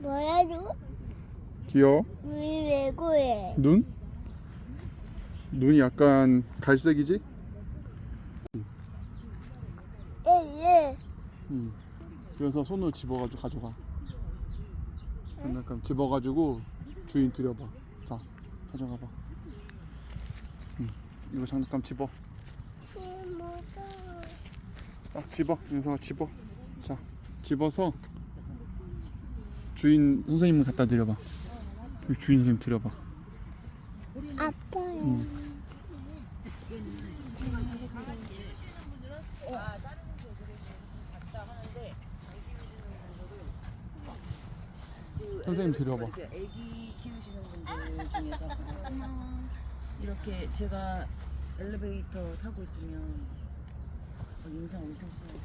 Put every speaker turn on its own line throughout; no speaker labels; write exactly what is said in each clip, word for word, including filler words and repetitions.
뭐라고?
귀여워?
우리 왜 그래?
눈? 눈이 약간 갈색이지?
예,
응. 그래서 손으로 집어가지고 가져가. 장난감 집어가지고 주인 들여봐. 자, 가져가봐. 응. 이거 장난감 집어.
친구가
딱 집어. 윤서가 집어. 자, 집어서 주인 선생님 갖다 드려봐. 여기 주인 선생님 드려봐.
아빠야.
응. 선생님 드려봐.
애기 키우시는 분들 중에서 이렇게 제가 엘리베이터 타고 있으면 어, 인상 엄청 써요.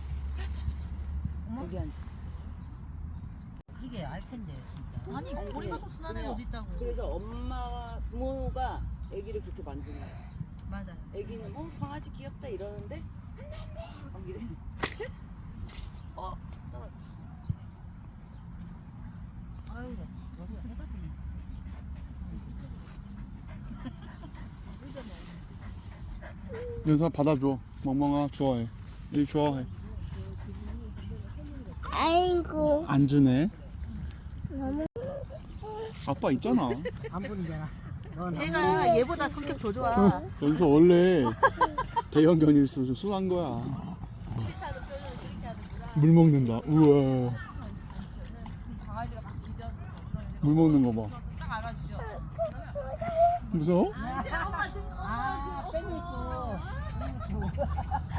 여기 한.
그게 알 텐데 진짜. 아니
아니,
머리만큼
그래.
순한 애 어디 있다고.
그래서 엄마 부모가 애기를 그렇게 만드는 거야.
맞아.
애기는 어 강아지 귀엽다 이러는데 안돼 안돼. 어 떨어.
아유 여기가 해 같은.
윤서 받아줘. 멍멍아 좋아해. 일 좋아해.
아이고.
안 주네.
너무
아빠 있잖아.
안 보이잖아.
제가 얘보다 성격 더 좋아.
연서 원래 대형견일수록 좀 순한 거야. 물 먹는다. 우와.
강아지가 막 짖었어.
물 먹는 거 봐.
딱 알아주죠.
무서워?
아, 엄마 등, 엄마.
아, 빼고 있고.